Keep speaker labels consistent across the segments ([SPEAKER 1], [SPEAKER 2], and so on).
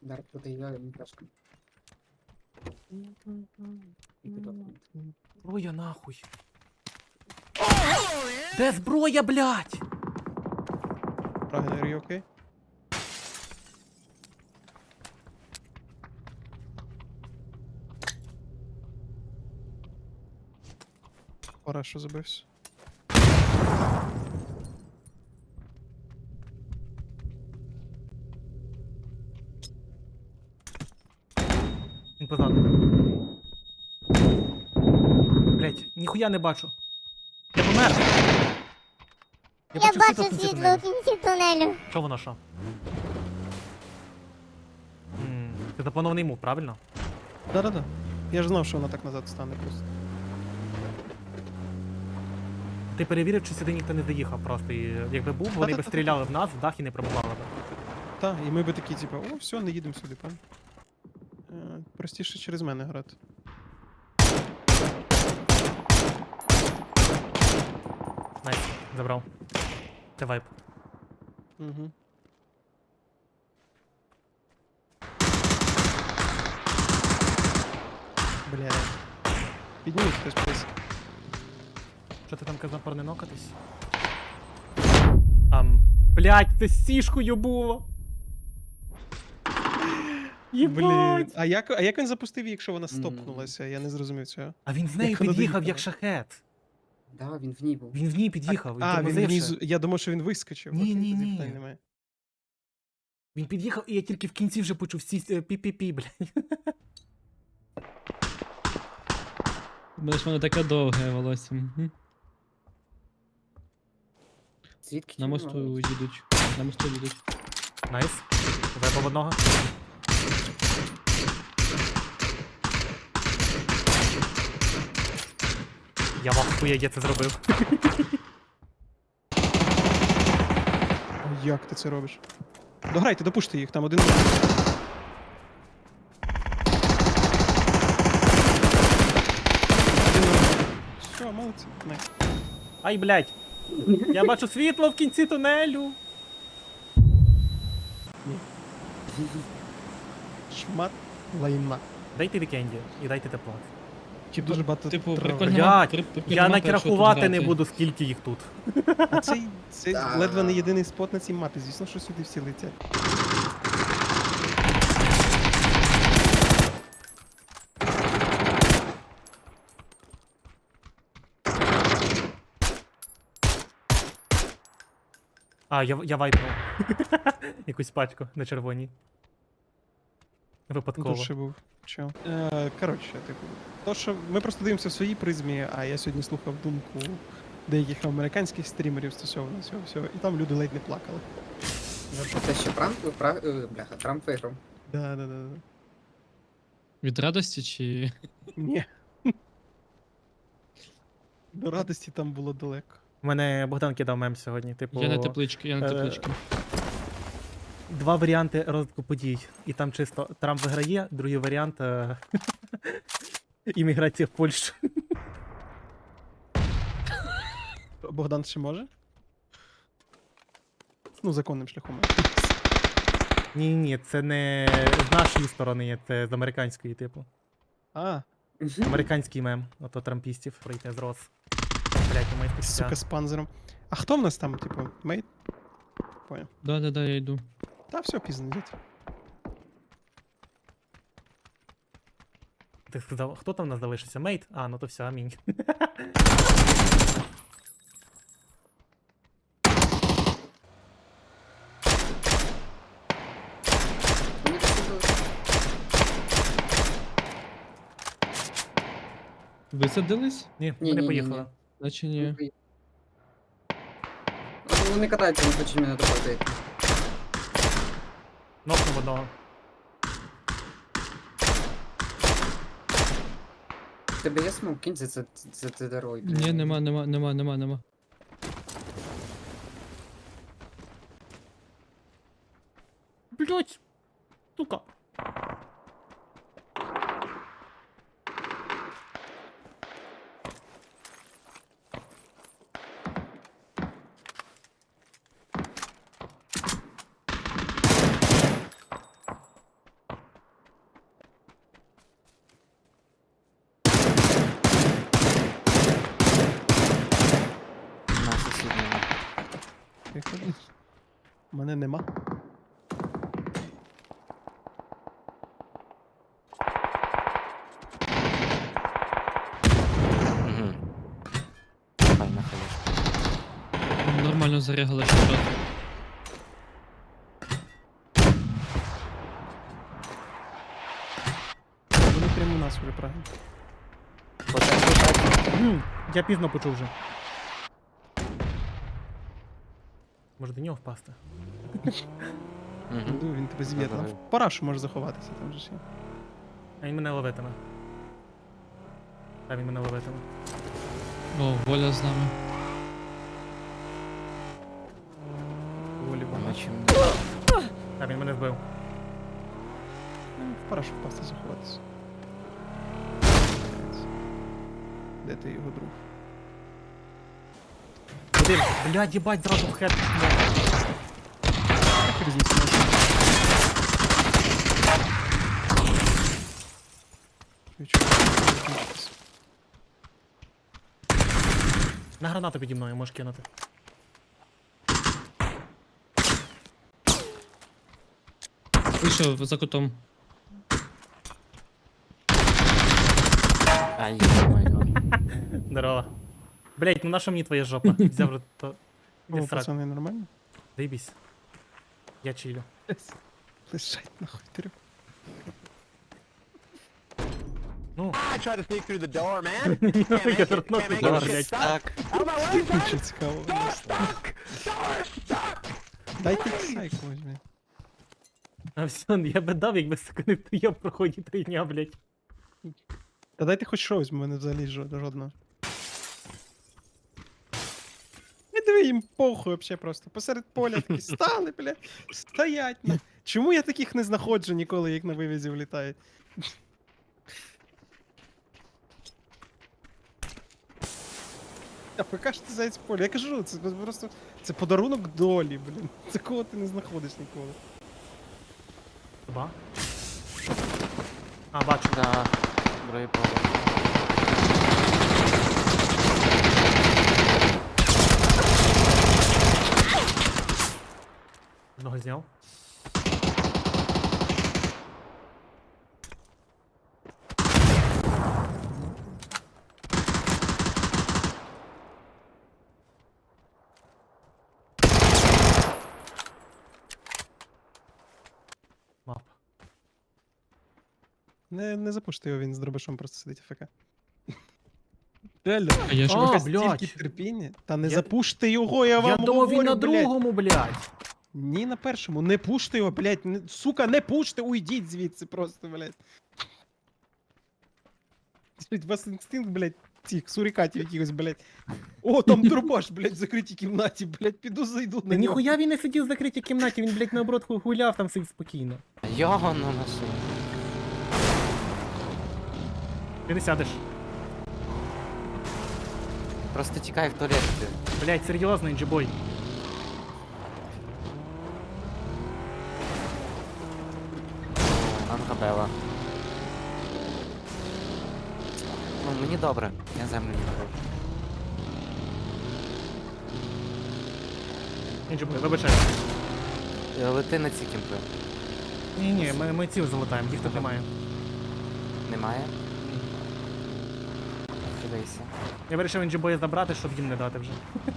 [SPEAKER 1] Дар туди я йому трошки. І підготовлено.
[SPEAKER 2] Зброя нахуй. Де зброя, блядь?
[SPEAKER 3] Рагнер, you окей? Пора, що забився.
[SPEAKER 2] Він позаду. Блядь, ніхуя не бачу. Я помер.
[SPEAKER 4] Я
[SPEAKER 2] бачу
[SPEAKER 4] бачу
[SPEAKER 2] в кінці
[SPEAKER 4] світло
[SPEAKER 2] тунелю.
[SPEAKER 4] в кінці тунелю.
[SPEAKER 2] Що воно що? Це запланований мув, правильно?
[SPEAKER 3] Да-да-да. Я ж знав, що вона так назад стане просто.
[SPEAKER 2] Ти перевірив, чи сюди ніхто не заїхав просто. І якби був, вони б
[SPEAKER 3] Та-та-та-та.
[SPEAKER 2] стріляли в нас, в дах і не пробували б.
[SPEAKER 3] Так, і ми би такі, типу, о, все, не їдемо сюди, пан. Простіше через мене грати.
[SPEAKER 2] Найс, забрав. Це вайп.
[SPEAKER 3] Угу. Бля. Підніміть хтось плюс.
[SPEAKER 2] Що ти там казав про не нокатись? Блядь, це з сішкою було!
[SPEAKER 3] Блін.
[SPEAKER 2] Єбать!
[SPEAKER 3] А як він запустив її, якщо вона стопнулася? Я не зрозумів цього.
[SPEAKER 2] А він з нею
[SPEAKER 3] Як вона
[SPEAKER 2] під'їхав, як
[SPEAKER 3] доїхала?
[SPEAKER 2] шахет.
[SPEAKER 1] Да, він в ній був.
[SPEAKER 2] Він в ній під'їхав, він
[SPEAKER 3] А, він
[SPEAKER 2] тормозивши.
[SPEAKER 3] внизу. Я думав, що він вискочив.
[SPEAKER 2] Ні,
[SPEAKER 3] Окей,
[SPEAKER 2] ні,
[SPEAKER 3] тоді
[SPEAKER 2] ні.
[SPEAKER 3] питань немає.
[SPEAKER 2] Він під'їхав, і я тільки в кінці вже почув всі пі-пі-пі, блядь.
[SPEAKER 5] Бо ж воно таке довге волосся. Мгм.
[SPEAKER 1] Звідки
[SPEAKER 5] На
[SPEAKER 1] ті
[SPEAKER 5] мосту
[SPEAKER 1] мали?
[SPEAKER 5] їдуть. На мосту їдуть.
[SPEAKER 2] Найс. Вебав одного. Я в ахує, я це зробив.
[SPEAKER 3] О, як ти це робиш? Дограйте, допушти їх, там один. Все, молодці. Не.
[SPEAKER 2] Ай, блядь. Я бачу світло в кінці тунелю.
[SPEAKER 3] Шмат лайна.
[SPEAKER 2] Дайте вікенді і дайте тепло.
[SPEAKER 3] Чи дуже багато
[SPEAKER 5] Типу,
[SPEAKER 3] трави.
[SPEAKER 5] прикольно.
[SPEAKER 2] Блядь,
[SPEAKER 5] прикольно
[SPEAKER 2] я
[SPEAKER 5] мапа,
[SPEAKER 2] навіть
[SPEAKER 5] якщо тут
[SPEAKER 2] рахувати не
[SPEAKER 5] грати.
[SPEAKER 2] буду, скільки їх тут.
[SPEAKER 3] А це
[SPEAKER 1] Да.
[SPEAKER 3] ледве не єдиний спот на цій мапі. Звісно, що сюди всі летять.
[SPEAKER 2] А, я вайпнув. Якусь пачку на червоній. Випадково.
[SPEAKER 3] Тут ще був. Чо? Коротше, типу. То, що ми просто дивимося в своїй призмі, а я сьогодні слухав думку деяких американських стрімерів стосовно цього всього, і там люди ледь не плакали.
[SPEAKER 1] Ну що, це ще бляха, Трамп виграв.
[SPEAKER 3] Да.
[SPEAKER 5] Від радості чи.
[SPEAKER 3] Ні. До радості там було далеко.
[SPEAKER 2] У мене Богдан кидав мем сьогодні. Типу,
[SPEAKER 5] Я на теплички, я на теплички.
[SPEAKER 2] два варіанти розвитку подій. І там чисто Трамп виграє, другий варіант імміграція в Польщу.
[SPEAKER 3] Богдан ще може? Ну, законним шляхом.
[SPEAKER 2] Ні, це не з нашої сторони, це з американської, типу.
[SPEAKER 3] А,
[SPEAKER 2] Американський мем, ото трампістів пройти з роз. Блять, у моїх
[SPEAKER 3] сука, з панзером. А хто в нас там, типу, мейт? Понял.
[SPEAKER 5] Да, я йду.
[SPEAKER 3] Та все, пізно йдіть.
[SPEAKER 2] Ти сказав, хто там у нас залишився? Мейт? А, ну то все, амінь.
[SPEAKER 1] Вони посадили.
[SPEAKER 5] Висадились?
[SPEAKER 2] Ні,
[SPEAKER 1] Ні,
[SPEAKER 2] вони
[SPEAKER 1] ні,
[SPEAKER 2] поїхали.
[SPEAKER 1] ні.
[SPEAKER 5] Наче ні.
[SPEAKER 1] Вони катаються, не хочуть мене допустити.
[SPEAKER 2] Нокнув одного.
[SPEAKER 1] В тебе є смок, кинь за це дорогою.
[SPEAKER 5] Ні, нема.
[SPEAKER 2] Блять! Сука!
[SPEAKER 3] Мене нема.
[SPEAKER 6] Угу. Файна хаєшка.
[SPEAKER 5] Нормально зарягали, що що.
[SPEAKER 3] Вони прямо у нас вже прагнуть.
[SPEAKER 2] Я пізно почув вже. Може до нього впасти?
[SPEAKER 6] Угу.
[SPEAKER 3] Іду, він тебе звідти.
[SPEAKER 6] Давай.
[SPEAKER 3] В парашу можеш заховатися, там же ж є.
[SPEAKER 2] А він мене ловитиме. А він мене ловитиме.
[SPEAKER 5] О, Воля з нами.
[SPEAKER 3] Волі
[SPEAKER 6] А
[SPEAKER 3] багато.
[SPEAKER 6] ми чим не...
[SPEAKER 2] А він мене вбив.
[SPEAKER 3] В парашу впасти заховатися. Де ти його друг?
[SPEAKER 2] Один. Блядь, їбать, зразу в хед.
[SPEAKER 3] Так різниця.
[SPEAKER 2] На гранату піді мною можеш кинути.
[SPEAKER 5] Вийшов за кутом.
[SPEAKER 6] Ай, ё-моё.
[SPEAKER 2] Здорово. Блять, ну на що мені твоя жопа? Взяв вже то. Іди
[SPEAKER 3] О,
[SPEAKER 2] в сраку.
[SPEAKER 3] пацани, нормально?
[SPEAKER 2] Заєбісь. Я чилю.
[SPEAKER 3] Лишать нахуй трьох.
[SPEAKER 2] Ну,
[SPEAKER 7] I tried to sneak through the door, man. Can't make
[SPEAKER 2] я
[SPEAKER 7] it,
[SPEAKER 2] торкнув
[SPEAKER 7] can't make
[SPEAKER 2] door,
[SPEAKER 7] it.
[SPEAKER 2] блядь.
[SPEAKER 7] Shit stuck.
[SPEAKER 6] Так.
[SPEAKER 7] Out of my way, son.
[SPEAKER 3] Нічого цікавого. Дайте ксайку возьми.
[SPEAKER 2] а все, я би дав, якби сука не я в проході 3 дня, блять.
[SPEAKER 3] Та дайте хоч щось, в мене взагалі жодного. Не диви їм похуй вообще просто. Посеред поля такі стали, бля. Стоять. На. Чому я таких не знаходжу ніколи, як на вивізі влітають? А поки ж ти зайць поле. Я кажу, це просто. Це подарунок долі, блін. Це кого ти не знаходиш ніколи.
[SPEAKER 2] Ба. А, бачу.
[SPEAKER 6] Да. Другий поверх.
[SPEAKER 2] Одного зняв. Мап.
[SPEAKER 3] Не запушти його, він з дробашом просто сидить АФК. Реально,
[SPEAKER 5] А я ж
[SPEAKER 2] А,
[SPEAKER 3] якось
[SPEAKER 2] блядь.
[SPEAKER 3] стільки терпіння. Та не
[SPEAKER 2] Я-
[SPEAKER 3] запуште його, я вам
[SPEAKER 2] Я думав він
[SPEAKER 3] говорю,
[SPEAKER 2] на
[SPEAKER 3] блядь.
[SPEAKER 2] другому, блядь.
[SPEAKER 3] Ні, на першому. Не пуште його, блядь. Сука, не пуште, уйдіть звідси просто, блядь. Слухайте, у вас інстинкт, блядь, цих сурикатів якихось, блядь. О, там дробаш, блядь, в закритій кімнаті, блядь, піду зайду
[SPEAKER 2] Та
[SPEAKER 3] на нього.
[SPEAKER 2] ніхуя він не сидів в закритій кімнаті, він, блядь, наоборот гуляв там сидів спокійно.
[SPEAKER 6] Його ну носу.
[SPEAKER 2] Ти не сядеш.
[SPEAKER 6] Просто тікай в туалет. ти.
[SPEAKER 2] Блядь, серйозно, інджибой.
[SPEAKER 6] Ангабела. Ну, мені добре. Я землю не хочу.
[SPEAKER 2] Інджибой, вибачай.
[SPEAKER 6] Лети на ці кімпи.
[SPEAKER 2] Ні-ні, ми ці залутаємо, їх тут немає.
[SPEAKER 6] Немає? Дивися.
[SPEAKER 2] Я вирішив інджибоя забрати, щоб їм не дати вже.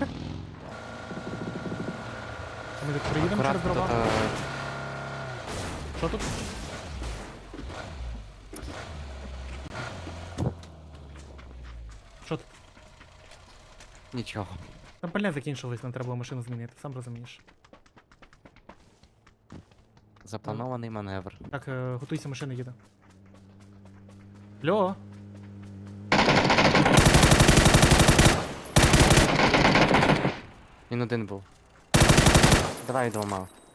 [SPEAKER 2] Ми тут приїдемо через
[SPEAKER 6] Акуратно,
[SPEAKER 2] дрова. Що тут? Що тут?
[SPEAKER 6] Нічого.
[SPEAKER 2] Там пальне закінчилось, нам треба було машину змінити, сам розумієш.
[SPEAKER 6] Запланований маневр.
[SPEAKER 2] Так, готуйся, машина їде. Льо!
[SPEAKER 6] Він один був. Давай двома.